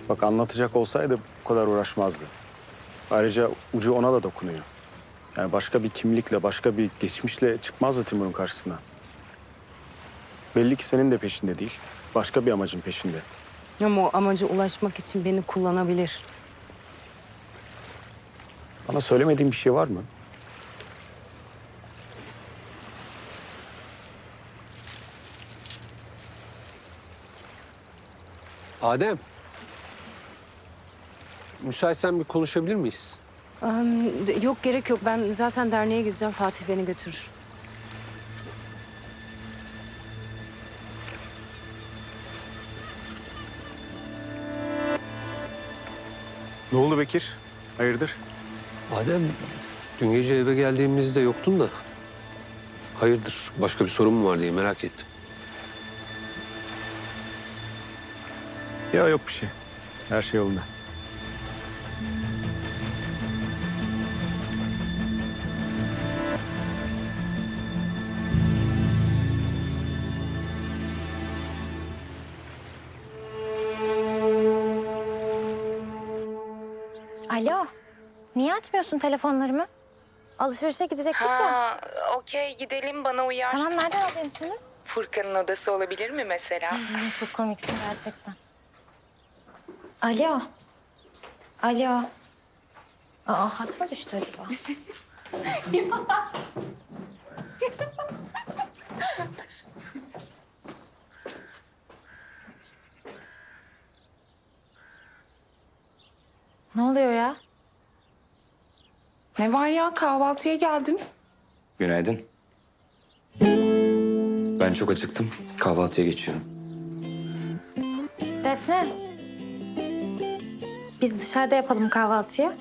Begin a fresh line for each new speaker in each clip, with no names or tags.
Bak anlatacak olsaydı bu kadar uğraşmazdı. Ayrıca ucu ona da dokunuyor. Yani başka bir kimlikle, başka bir geçmişle çıkmazdı Timur'un karşısına. Belli ki senin de peşinde değil. Başka bir amacın peşinde.
Ama o amaca ulaşmak için beni kullanabilir.
Bana söylemediğin bir şey var mı?
Adem. Müsaitsen bir konuşabilir miyiz?
Yok gerek yok. Ben zaten derneğe gideceğim. Fatih beni götürür.
Ne oldu Bekir? Hayırdır?
Adem, dün gece eve geldiğimizde yoktun da. Hayırdır, başka bir sorun mu var diye merak ettim.
Ya yok bir şey. Her şey yolunda.
Alo. Niye açmıyorsun telefonlarımı? Alışverişe gidecektik ya.
Ha, okey gidelim bana uyar.
Tamam, nereden alayım seni?
Furkan'ın odası olabilir mi mesela?
Çok komiksin gerçekten. Alo. Alo. Aa, hat mı düştü acaba? Ne oluyor ya?
Ne var ya kahvaltıya geldim.
Günaydın. Ben çok acıktım. Kahvaltıya geçiyorum.
Defne. Biz dışarıda yapalım kahvaltıyı.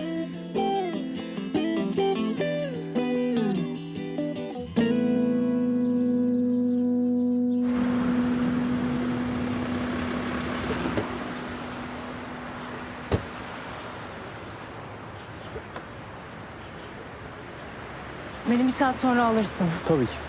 Beni bir saat sonra alırsın.
Tabii ki.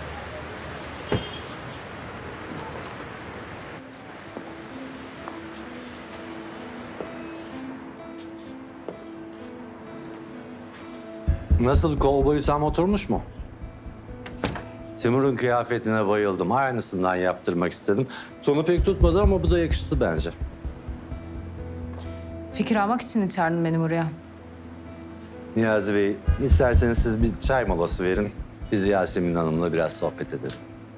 Nasıl, kol boyu tam oturmuş mu? Timur'un kıyafetine bayıldım. Aynısından yaptırmak istedim. Sonu pek tutmadı ama bu da yakıştı bence.
Fikir almak için çağırdın beni buraya.
Niyazi Bey, isterseniz siz bir çay molası verin. Biz Yasemin Hanım'la biraz sohbet edelim.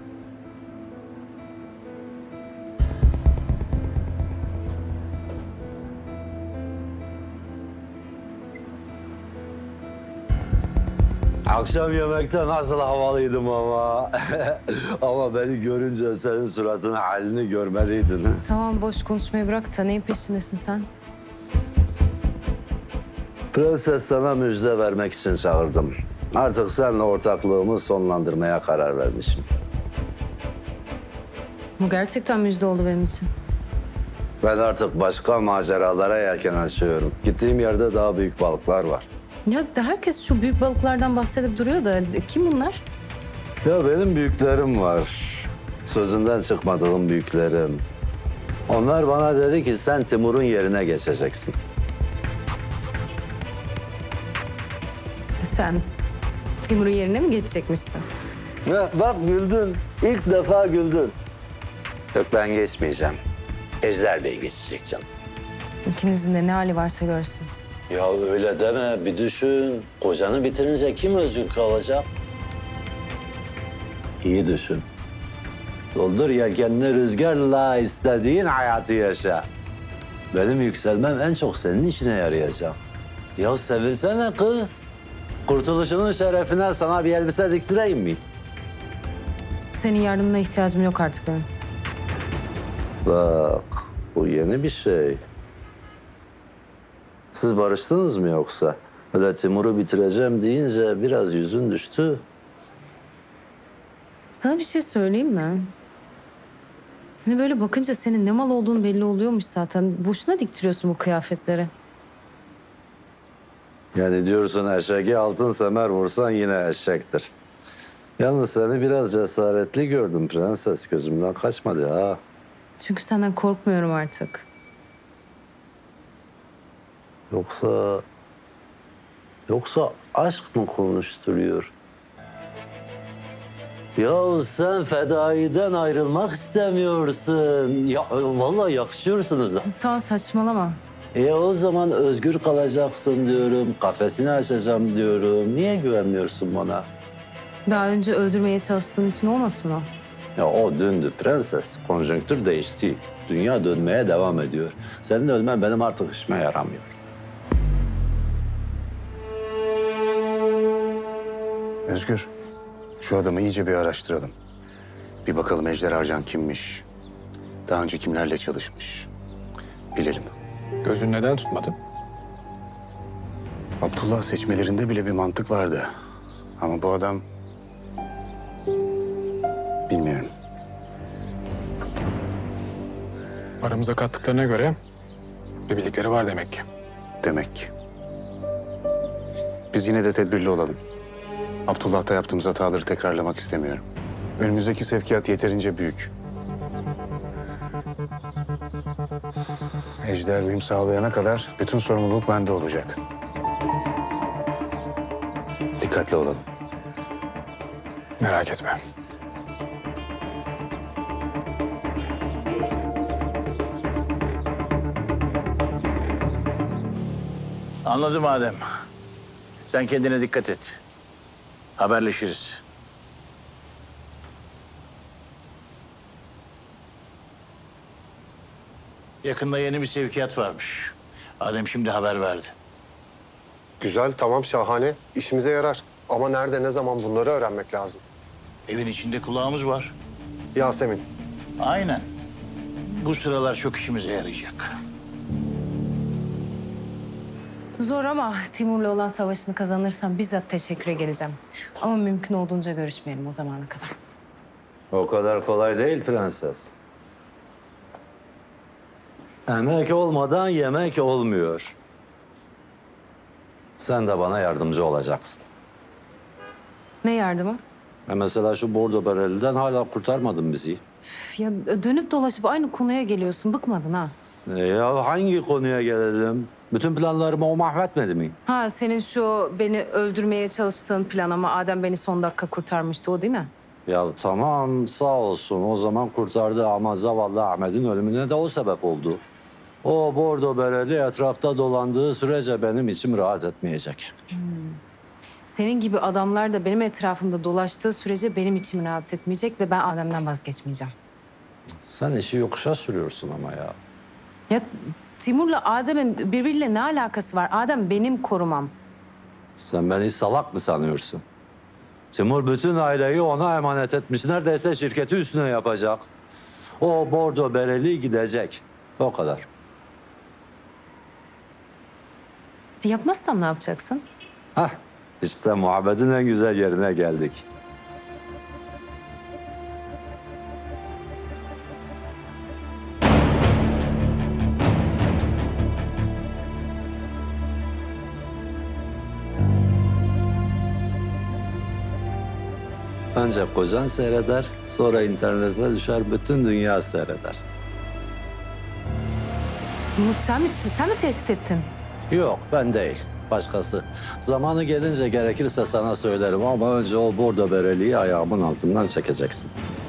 Akşam yemekte nasıl havalıydım ama. Ama beni görünce senin suratını, halini görmeliydin.
Tamam boş konuşmayı bırak da neyin peşindesin sen?
Prenses, sana müjde vermek için çağırdım. Artık seninle ortaklığımı sonlandırmaya karar vermişim.
Bu gerçekten müjde oldu benim için.
Ben artık başka maceralara yelken açıyorum. Gittiğim yerde daha büyük balıklar var.
Ya herkes şu büyük balıklardan bahsedip duruyor da kim bunlar?
Ya benim büyüklerim var. Sözünden çıkmadığım büyüklerim. Onlar bana dedi ki sen Timur'un yerine geçeceksin.
Sen Timur'un yerine mi geçecekmişsin?
Ya bak güldün. İlk defa güldün. Yok, ben geçmeyeceğim. Ejder Bey geçecek canım.
İkinizin de ne hali varsa görsün.
Ya öyle deme, bir düşün. Kocanı bitirince kim özgür kalacak? İyi düşün. Doldur yelkenini rüzgarla, istediğin hayatı yaşa. Benim yükselmem en çok senin işine yarayacak. Ya sevinsene kız. Kurtuluşunun şerefine sana bir elbise diktireyim mi?
Senin yardımına ihtiyacım yok artık benim.
Bak, bu yeni bir şey. Siz barıştınız mı yoksa? Öyle Timur'u bitireceğim deyince biraz yüzün düştü.
Sana bir şey söyleyeyim mi? Hani böyle bakınca senin ne mal olduğun belli oluyormuş zaten. Boşuna diktiriyorsun bu kıyafetleri.
Yani diyorsun eşeğe altın semer vursan yine eşektir. Yalnız seni biraz cesaretli gördüm prenses. Gözümden kaçmadı ha.
Çünkü senden korkmuyorum artık.
Yoksa aşk mı konuşturuyor? Ya sen fedaiden ayrılmak istemiyorsun. Ya vallahi yakışıyorsunuz da.
Tamam saçmalama.
O zaman özgür kalacaksın diyorum. Kafesini açacağım diyorum. Niye güvenmiyorsun bana?
Daha önce öldürmeye çalıştığın için olmasın o.
Ya o döndü prenses. Konjonktür değişti. Dünya dönmeye devam ediyor. Senin ölmen benim artık işime yaramıyor.
Özgür, şu adamı iyice bir araştıralım. Bir bakalım Ejder Arcan kimmiş? Daha önce kimlerle çalışmış? Bilelim.
Gözün neden tutmadı?
Abdullah seçmelerinde bile bir mantık vardı. Ama bu adam... Bilmiyorum.
Aramıza kattıklarına göre bir bildikleri var demek ki.
Demek ki. Biz yine de tedbirli olalım. Abdullah'ta yaptığımız hataları tekrarlamak istemiyorum. Önümüzdeki sevkiyat yeterince büyük. Ejder benim sağlayana kadar bütün sorumluluk bende olacak. Dikkatli olalım.
Merak etme.
Anladım Adem. Sen kendine dikkat et. Haberleşiriz. Yakında yeni bir sevkiyat varmış. Adem şimdi haber verdi.
Güzel, tamam, şahane. İşimize yarar. Ama nerede, ne zaman bunları öğrenmek lazım.
Evin içinde kulağımız var.
Yasemin,
Aynen. Bu sıralar çok işimize yarayacak.
Zor ama Timur'la olan savaşını kazanırsam bizzat teşekküre geleceğim. Ama mümkün olduğunca görüşmeyelim o zamana kadar.
O kadar kolay değil prenses. Emek olmadan yemek olmuyor. Sen de bana yardımcı olacaksın.
Ne yardımı?
Mesela şu bordo bereliden hala kurtarmadın bizi.
Üf, ya dönüp dolaşıp aynı konuya geliyorsun. Bıkmadın ha?
Ya hangi konuya gelelim? Bütün planlarımı o mahvetmedi mi?
Ha senin şu beni öldürmeye çalıştığın plan ama Adem beni son dakika kurtarmıştı o değil mi?
Ya tamam sağ olsun o zaman kurtardı ama zavallı Ahmet'in ölümüne de o sebep oldu. O bordo bereli etrafta dolandığı sürece benim içim rahat etmeyecek.
Senin gibi adamlar da benim etrafımda dolaştığı sürece benim içim rahat etmeyecek ve ben Adem'den vazgeçmeyeceğim.
Sen işi yokuşa sürüyorsun ama ya.
Ya Timur'la Adem'in birbiriyle ne alakası var? Adem benim korumam.
Sen beni salak mı sanıyorsun? Timur bütün aileyi ona emanet etmiş. Neredeyse şirketi üstüne yapacak. O bordo bereli gidecek. O kadar.
Yapmazsam ne yapacaksın?
Hah, işte muhabbetin en güzel yerine geldik. Önce kocan seyreder, sonra internete düşer, bütün dünya seyreder.
Bunu sen mi tehdit ettin?
Yok, ben değil. Başkası. Zamanı gelince gerekirse sana söylerim ama önce o bordo bereliği ayağımın altından çekeceksin.